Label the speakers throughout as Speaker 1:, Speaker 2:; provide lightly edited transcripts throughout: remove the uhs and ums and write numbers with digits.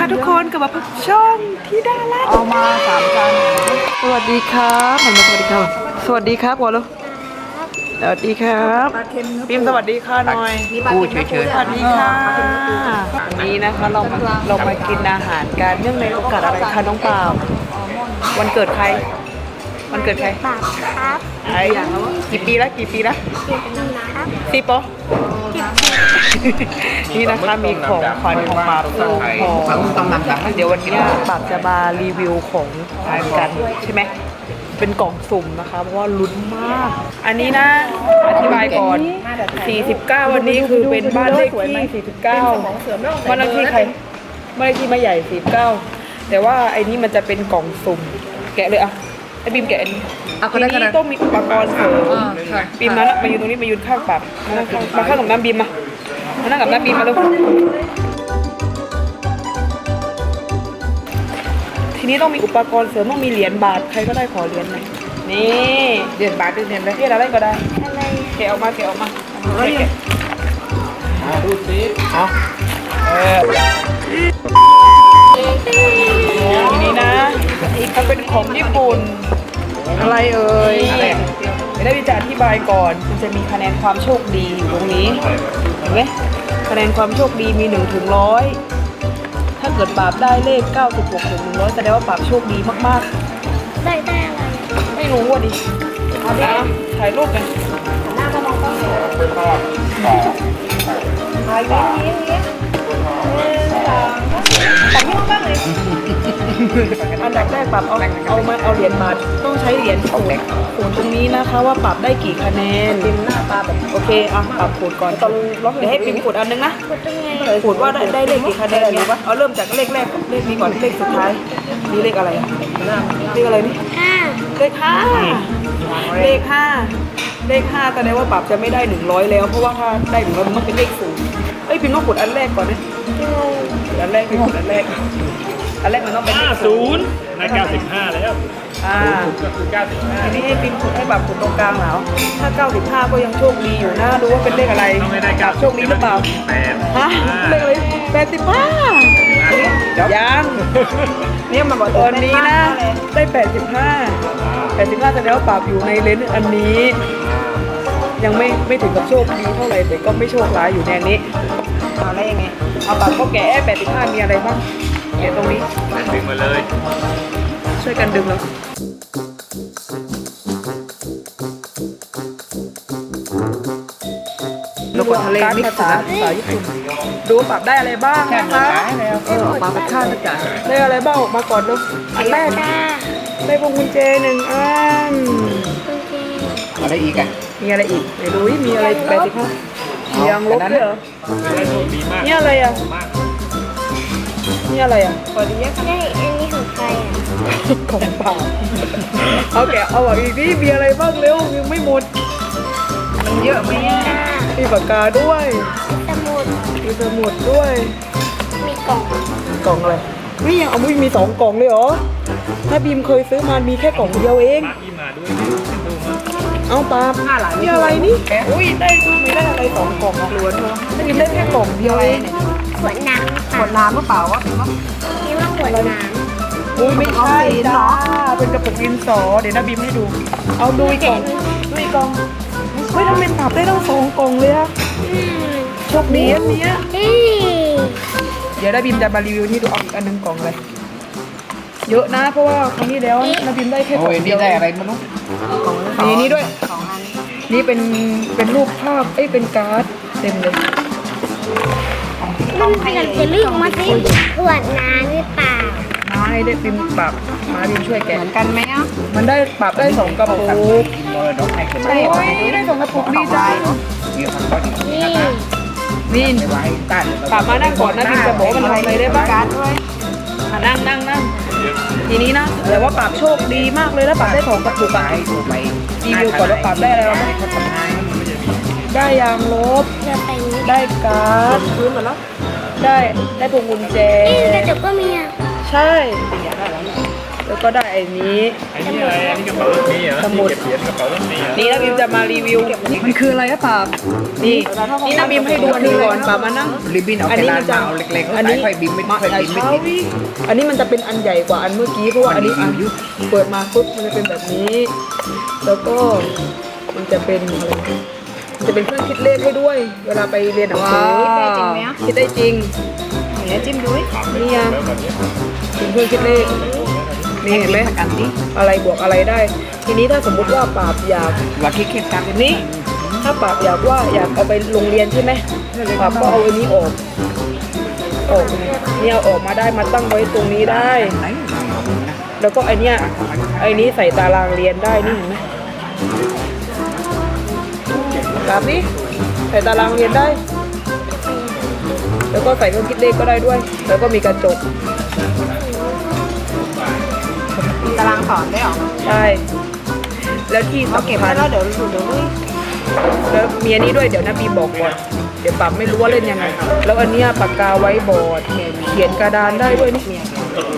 Speaker 1: ทุกคนกลับมาพบช่องที่ดาราเอามา3 จานสวัสดีครับหันมาสวัสดีครับสวัสดีครับก่อนลูกสวัสดีครับพิมพ์สวัสดีค่ะหน่อย
Speaker 2: พูดเฉย
Speaker 1: สวัสดีค่ะวันนี้นะคะเรามากินอาหารกันเนื่องในโอกาสอะไรคะน้องเปล่าวันเกิดใครวันเกิดใคร
Speaker 3: ปากครับ
Speaker 1: ไอ้กี่ปีแล้ว10 ปะนี่นะคะมีของขวัญของปากของเดี๋ยววันนี้ปากจะมารีวิวของทานกันใช่ไหมเป็นกล่องสุ่มนะคะเพราะว่าลุ้นมาก อันนี้นะอธิบายก่อน49วันนี้คือเป็นบ้านเลขที่49บ้านเลขที่ใครบ้านเลขที่ไม่ใหญ่49แต่ว่าไอ้นี้มันจะเป็นกล่องสุ่มแกะเลยอะไอ้บีมแกะอันนี้ทีนี้ต้องมีอุปกรณ์เสริมบีมมายืนตรงนี้มายืนข้างปับมาข้างกับน้ำบีมมานั่งกับน้ำบีมมาลูกทีนี้ต้องมีอุปกรณ์เสริมต้องมีเหรียญบาทใครก็ได้ขอเหรียญหน่อยนี่เหรียญบาทเหรียญอะไรเหรียญอะไรก็ได้แกะออกมาแกะออกมาดูสิเอาทีนี้นะมันเป็นของญี่ปุ่นอะไรเอ่ยไม่ได้จะอธิบายก่อนมันจะมีคะแนนความโชคดีอยู่ตรงนี้เห็นไหมคะแนนความโชคดีมี1 ถึง 100ถ้าเกิดปราบได้เลข96 ถึง 100แสดงว่าปราบโชคดีมาก
Speaker 3: ๆได้อะไร
Speaker 1: ไม่รู้ว่ะดิเอาดิถ่ายรูปกันหน้าก็มองต้องถ่ายได้นี้ปับไม่ต้องเลยอันดับแรกปรับเอาเหรียญบาทต้องใช้เหรียญขูดตรงนี้นะคะว่าปรับได้กี่คะแนนพิมพ์หน้าตาแบบโอเคอ่ะปรับขูดก่อนตอนล็อกเดี๋ยวให้พิมพ์ขูดอันนึงนะขูดว่าได้เลขกี่คะแนนดีวะเอาเริ่มจากเลขแรกเลขนี้ก่อนเลขสุดท้ายนี่เลขอะไรเลขอะไรนี่เลข5เลข5แสดงว่าปรับจะไม่ได้100แล้วเพราะว่าถ้าได้100มันต้องเป็นเลข0เอ้ยพิมพ์ต้องขูดอันแรกก่อนนะอันแรกพิมพ์ขูดอันแรกมันต้องเป็น
Speaker 2: 50ใน95แล้วก็คือ95
Speaker 1: ทีนี้ให้พิมพ์ขุดให้แบบขุดตรงกลางแล้วถ้า95ก็ยังโชคดีอยู่นะดูว่าเป็นเลขอะไรกับโชคดีหรือเปล่าฮะเลขอะไร85ยังนี่มาบอกตอนนี้นะได้85แสดงว่าปราบอยู่ในเลนส์อันนี้ยังไม่ถึงกับโชคดีเท่าไหร่แต่ก็ไม่โชคร้ายอยู่ในนี้เอาอะไรยังไงเอาปราบก็แกะ85มีอะไรบ้างแกะตรงนี้
Speaker 2: ดึงมาเลย
Speaker 1: ช่วยกันดึงแล้วโลโก้ทะเลมิกซ์ภาษาญี่ปุ่นดูปรับได้อะไรบ้างนะคะมาเป็นค่าสักอย่างได้อะไรบ้างออกมาก่อนดูอันแรกได้พวงกุญแจ1 อัน
Speaker 2: อะไรอีกอ่ะ
Speaker 1: มีอะไรอีกไหนดูมีอะไร85ยังลบด้วยเหรอนี่อะไรอ่ะนี่อะไรอ่ะ
Speaker 3: ใช่อันนี้ของใครอ่ะ
Speaker 1: ของเปล่าเอาแกะเอาอีกนี่มีอะไรบ้างเร็วยังไม่หมดมันเยอะไหมมีปากกาด้วยมีสมุดด้วย
Speaker 3: มีกล่อง
Speaker 1: อะไรนี่ยังเอามี2 กล่องเลยเหรอถ้าบีมเคยซื้อมามีแค่กล่องเดียวเองเอาปานี่อะไรนี่อุ้ยได้ไม่ได้อะไร2 กล่องล้วนเลยบีมได้แค่กล่องเดียวเอง
Speaker 3: ขวดน้ำ
Speaker 1: หรือเปล่าวะ
Speaker 3: นี่ว่าขวดน้ำ
Speaker 1: อุ้ยไม่ใช่จ้าเป็นกระปุกดินสอเดี๋ยวนะบีมให้ดูเอาดูอีกกล่องเฮ้ยทำไมปรับได้ตั้ง2 กล่องเลยอะโชคดีอันนี้เดี๋ยวนะบีมจะมารีวิวนี่ดูเอาอีกอันนึงกล่องเลยเยอะนะเพราะว่าครั้งนี้แล้วนะบีมได้แค่กล่องเดียว
Speaker 2: ได้อะไรไม่รู้
Speaker 1: มีนี่ด้วยนี่เป็นรูปภาพเป็นการ์ดเต็มเลย
Speaker 3: มันขยับจะลึกมาสิขวดน้ำหรือเปล่า
Speaker 1: ไม่ได้พิมพ์ปรับมาพิมพ์ช่วยแกะ
Speaker 3: เหมือนกันไหมอ่ะ
Speaker 1: มันได้ปรับได้2 กระปุกโอ้ยได้2 กระปุกนี่จ้านี่ปรับมานั่งก่อนนะพิมพ์จะบอกมันทำอะไรได้บ้างนั่งทีนี้นะแต่ว่าปรับโชคดีมากเลยแล้วปรับได้2 กระปุกรีวิวก่อนแล้วปรับได้อะไรบ้างได้ยางลบได้การ์ดพื้นหมดแล้วได้พวงกุญแจ
Speaker 3: กระจกก็มีอ่ะ
Speaker 1: ใช่แล้วก็ได้ไอ้นี้
Speaker 2: ไอ้นี่อะไรอันนี้กระเป๋ารถเมล์เหรอ
Speaker 1: สมุด
Speaker 2: ที่เก็บเหรียญกระเป๋ารถเมล์เหรอ
Speaker 1: นี่นะบิมจะมารีวิว
Speaker 4: มันคืออะไรอะปาบ
Speaker 1: นี่นะบิมให้ดูอันนี้ก่อนป่ามานั่ง
Speaker 4: ริบบิ้นเอา
Speaker 1: อัน
Speaker 4: แค่
Speaker 1: นี้
Speaker 4: ร้า
Speaker 1: มัน นจะ
Speaker 4: มาเอาเล็กๆ
Speaker 1: อันนี้
Speaker 4: ค่อยบินไม่
Speaker 1: มา
Speaker 4: ค่อย
Speaker 1: ใหญ่
Speaker 4: บินไม่
Speaker 1: เช้า
Speaker 4: ติด
Speaker 1: พี่อันนี้มันจะเป็นอันใหญ่กว่าอันเมื่อกี้เพราะว่าอันนี้
Speaker 4: มันอยู่
Speaker 1: เปิดมาปุ๊บมันจะเป็นแบบนี้ แล้วก็มันจะเป็นอะไรมันจะเป็นเครื่องคิดเลขให้ด้วย เวลาไปเรียนหนังสือ
Speaker 4: ว้าว
Speaker 1: คิดได้จริง
Speaker 3: เดี๋ยวจิ้มดูดิ
Speaker 1: นี่ยัง
Speaker 2: แล้วแบบนี้
Speaker 1: เป็นเครื่องคิดเลขนี่เห็นไหม
Speaker 4: กันดิ
Speaker 1: อะไรบวกอะไรได้ ทีนี้ถ้าสมมุติว่าปราบอยาก
Speaker 4: ว่าคิดกัน
Speaker 1: นี้ถ้าปราบอยากเอาไปโรงเรียนใช่ไหมปราบก็เอาอันนี้ออกเนี่ยเอาออกมาได้มาตั้งไว้ตรงนี้ได้
Speaker 4: ไหน
Speaker 1: แล้วก็ไอเนี้ยใส่ตารางเรียนได้นี่เห็นไหมแบบนี้ใส่ตารางเรียนได้ แล้วก็ใส่เครื่องคิดเลขก็ได้ด้วย แล้วก็มีกระจก
Speaker 3: มีตารางสอนได้หรอ
Speaker 1: ใช่ แล้วที่
Speaker 3: เราเก็บ
Speaker 1: สำคั
Speaker 3: ไว้
Speaker 1: ญ
Speaker 3: แล้วเดี๋ยวลุย
Speaker 1: แล้วมีอันนี้ด้วยเดี๋ยวนะบีบอกก่อนเดี๋ยวปั๊บไม่รู้ว่าเล่นยังไง แล้วอันเนี้ยปากกาไว้บอร์ดเขียนกระดานได้ด้วยนี่
Speaker 3: เนี่ย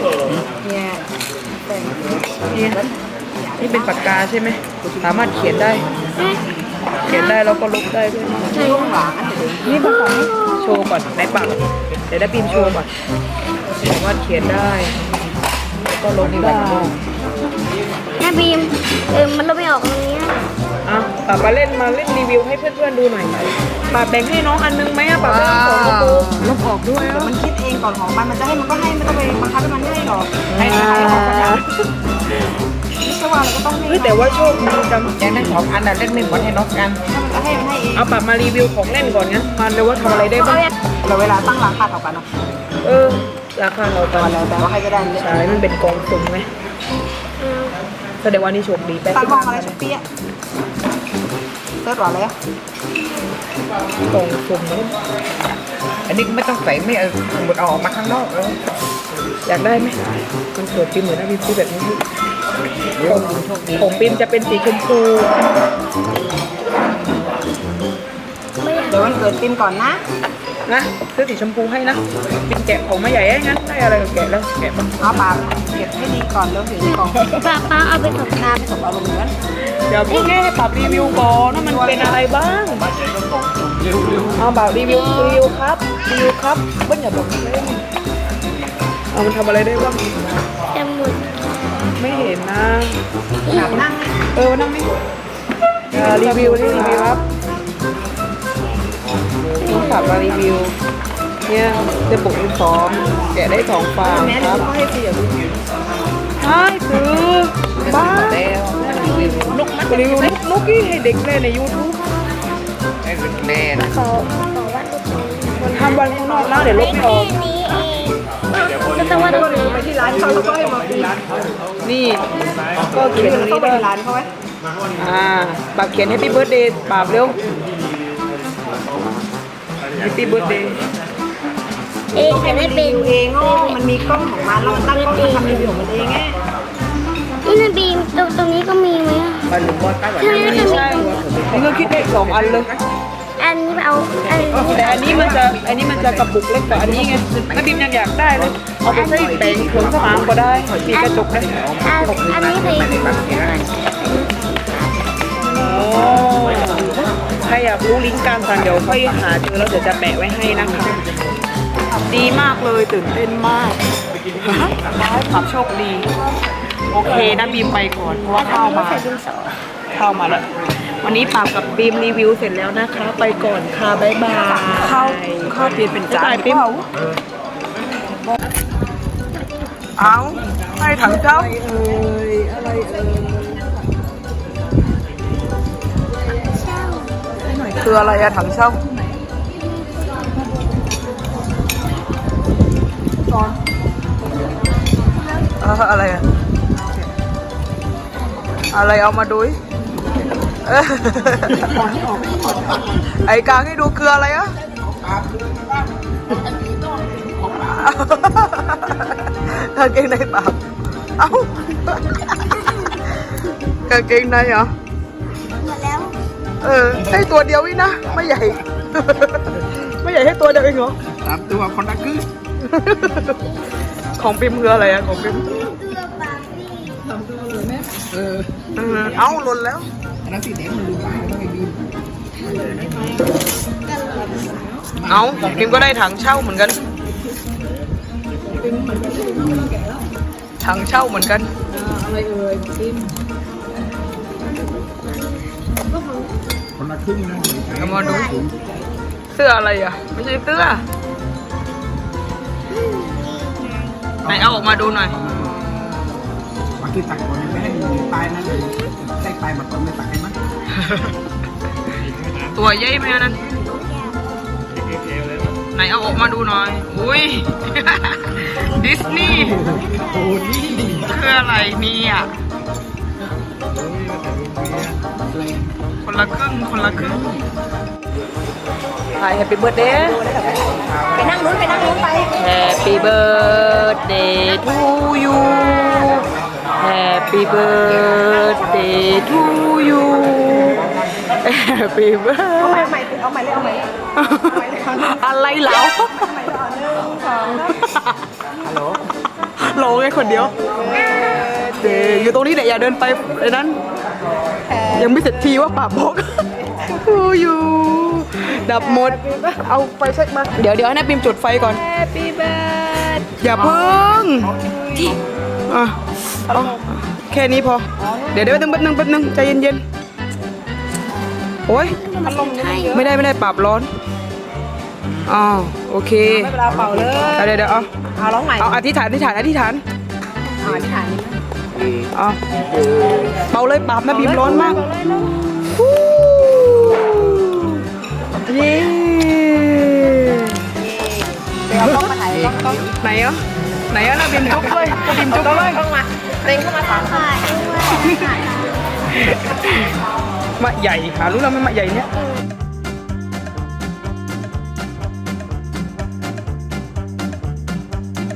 Speaker 1: นี่นี่เป็นปากกาใช่ไหมสามารถเขียนได้ เขียนได้แล้วก็ลบได้ด้วย
Speaker 3: ช่วงหลัง
Speaker 1: นี่ปากกาโชว์ก่อนในปากเดี๋ยวได้บีมโชว์ก่อนสามารถเขียนได้แล้วก็ลบได้
Speaker 3: แม่บีมมันลบไม่ออกตรงนี้
Speaker 1: อ่ะปาเล่นรีวิวให้เพื่อนๆดูหน่อยปาแบ่งให้น้องอันนึงไหมอะปาแบ่งสองกระปุก
Speaker 4: ลบออกด้วย
Speaker 3: เดี๋ยว
Speaker 4: อ่ะ
Speaker 3: มันคิดเองก่อนของมันจะให้มันก็ให้ไม่ต้องไปบังคับให้มันให้หรอก
Speaker 1: อ่า
Speaker 3: ไม่ใช่ว่าเราก็ต้องให้
Speaker 1: เฮ้ยแต่ว่าโชคดีจัง
Speaker 4: อย่างนั้นของอันน่ะเล่นไม่หมดให้น้องกัน
Speaker 3: ถ้ามันจะให้มันให้เอง
Speaker 1: เอาปรับมารีวิวของเล่นก่อนงั้นมาเลยว่าทำอะไรได้บ้าง
Speaker 3: เราเวลาตั้งราคาเท่ากันเนาะ
Speaker 1: ราคาเราตอน
Speaker 3: แล้วแต่ว่าใครจะได้เนี่ย
Speaker 1: ใช่มันเป็นกองสุ่มไหมแสดงว่านี่โชคดีไป
Speaker 3: ตั้งห้องอะไรชุดเปี้ยเซิร์ชว่าอะไรอ่ะ
Speaker 1: กองสุ่มไหม
Speaker 4: อันนี้ไม่ต้องใส่ไม่เอาหมดเอาออกมาข้างนอกเลย
Speaker 1: อยากได้ไหมมันสวยปีเหมือนนะพี่พูดแบบนี้
Speaker 4: เดี๋ยวโชคดี
Speaker 1: ของปิมจะเป็นสีชมพู
Speaker 3: เดี๋ยววันเกิดปิมก่อนนะ
Speaker 1: นะซื้อสีชมพูให้นะปิมแกะของมาใหญ่งั้นได้อะไรก็แกะแล้วแกะบ้าง
Speaker 3: เอาปากเก็บให้ดีก่อนแล้วถึงกล่องป้าเอาไปส่งน้ำไปส่งเอาลงเหมือน
Speaker 1: เดี๋ยวพี่แค่ให้ปรับรีวิวก่อนว่ามันเป็นอะไรบ้าง
Speaker 2: บ้านใหญ่ก็กล่องสุ่มเร็ว
Speaker 1: เอาแบบรีวิวครับเบิ้ลอย่าบอกเล่นเอามันทำอะไรได้บ้าง
Speaker 3: จมูก
Speaker 1: ไม่เห็นนะ
Speaker 3: นั่ง
Speaker 1: นั่งนี่รีวิวครับต้องขับมารีวิวเนี่ยจะปลุกลูกซ้อมแกะได้2ฟางครับ
Speaker 3: ให้เสียง
Speaker 1: ใช่คือบ้า
Speaker 4: แล้วรีวิวน
Speaker 1: กมันรีวิวนกที่ให้เด็กเล่นใน YouTube
Speaker 4: ให้เป็นแน่นะ
Speaker 3: ขอว่าลูกนี้
Speaker 1: มันทำวันข้างนอกแล้วเดี๋ยวลบไม่ออก
Speaker 3: นี้เองก็ต้องว่าเราไปที่ร้านเขาแล้วก็ให้มาปี
Speaker 1: นี่ก็เขียนตรงนี้
Speaker 3: เข้าไป
Speaker 1: ด้วย
Speaker 3: ในร้านเขาไว้
Speaker 1: ปรับเขียน Happy Birthday ปรับเร็ว Happy Birthday
Speaker 3: เองจะได้เป็นเองอ๋อมันมีกล้องของมันเราตั้งกล้องทำรีวิวของมันเองไงนี่นะบีมตรงนี้ก็มีไหม
Speaker 4: บอลหลุมบอลใต้หวัน
Speaker 1: ไม่ใช่นี่ก็คิดได้2อันเลย
Speaker 3: อันนี้เอาอันนี้
Speaker 1: แต่อันนี้มันจะกระปุกเล็กกว่าอันนี้ไงแม่บิมยังอยากได้เลยเอาไปใส่แปรงขนสมางก็ได้มีกระจกได้
Speaker 3: อันนี้เลย
Speaker 1: โอ้ใครอยากรู้ลิงก์การสั่งเดี๋ยวค่อยหาเจอแล้วเดี๋ยวจะแปะไว้ให้นะคะดีมากเลยตื่นเต้นมากขับโชคดีโอเคนะบีมไปก่อนเพราะว่าเข้ามาแล้ววันนี้ปาบกับบีมรีวิวเสร็จแล้วนะคะ ไปก่อนค่ะบ๊ายบายเข้าเปลี่ยนเป็นจานปิมเอาให้ถังเจ้าคืออะไรอะถังเช่าอะไรอะอะไรเอามาดูไอ้กลางให้ดูคืออะไรอะกางเกงในเปล่าเอ้ากางเกงในเหรอ
Speaker 3: หมดแล้ว
Speaker 1: ให้ตัวเดียวอีกนะไม่ใหญ่ ไม่ใหญ่ให้ตัวเดียวเองเหรอ
Speaker 4: 3 ตัวคนละครึ่ง
Speaker 1: ของปิมคืออะไรอะของปิม
Speaker 3: เสื้อปาร์ตี้
Speaker 1: เอาหล่นแล้ว
Speaker 4: อันนั้นสีแดงมันดูตายแล้วไม่ดี
Speaker 1: เอาพิมก็ได้ถังเช่าเหมือนกันถังเช่าเหมือนกันอะไรเอ่ยพิม
Speaker 4: คนละครึ่งนะ
Speaker 1: เอามาดูเสื้ออะไรอ่ะไม่ใช่เสื้อไหนเอาออกมาดูหน่อย
Speaker 4: บางทีตักก่อนไม่ให้มันตายนะเลยได้ตายมาก่อนไม่ตักให้มั้ง
Speaker 1: ตัวใหญ่ไหมอันนั้น
Speaker 2: เอวเลย
Speaker 1: ไหนเอาออกมาดูหน่อยอุ้ย ดิสนีย์
Speaker 4: โอ้นี่
Speaker 1: คืออะไรเนี่ยคนละครึ่งคนละครึ่งHappy birthday
Speaker 3: ไปนั่งนู้นไป
Speaker 1: Happy birthday to you Happy birthday to you Happy birthday
Speaker 3: เอาใหม่เลย
Speaker 1: อะไรเหรอฮัลโหลโหลไงคนเดียวเดอยู่ตรงนี้เนี่ยอย่าเดินไปไอ้นั้น ยังไม่เสร็จทีว่าปากบอกอยู่ดับหมด เอาไฟเช็คมา เดี๋ยวให้นายปิมจุดไฟก่อน
Speaker 3: Happy birthday
Speaker 1: อย่าเพิ่งอ่ะเอาแค่นี้พอ เดี๋ยวแป๊บนึงใจเย็นๆโอ้ยไม่ได้ปรับร้อนอ๋อโอเค
Speaker 3: ไม่เป็นไรเป่าเลย
Speaker 1: เดี๋ยวเอา
Speaker 3: เอาร้องใหม่
Speaker 1: เอาอธิษฐาน
Speaker 3: เอาอธิษฐานนี่
Speaker 1: เอาเป่าเลยปรับนะบีมร้อนมากฮู้เย้
Speaker 3: เดี๋ยวเอากล้องมาถ่ายกล้อง
Speaker 1: ไหนอ่ะนะบีมจุ๊บเลยบีมจุ๊บเลย
Speaker 3: กล้องมาเต็งเข้ามาถ่ายค่ะ
Speaker 1: มะใหญ่หารู้แล้วไหมมะใหญ่เนี้ย
Speaker 3: เ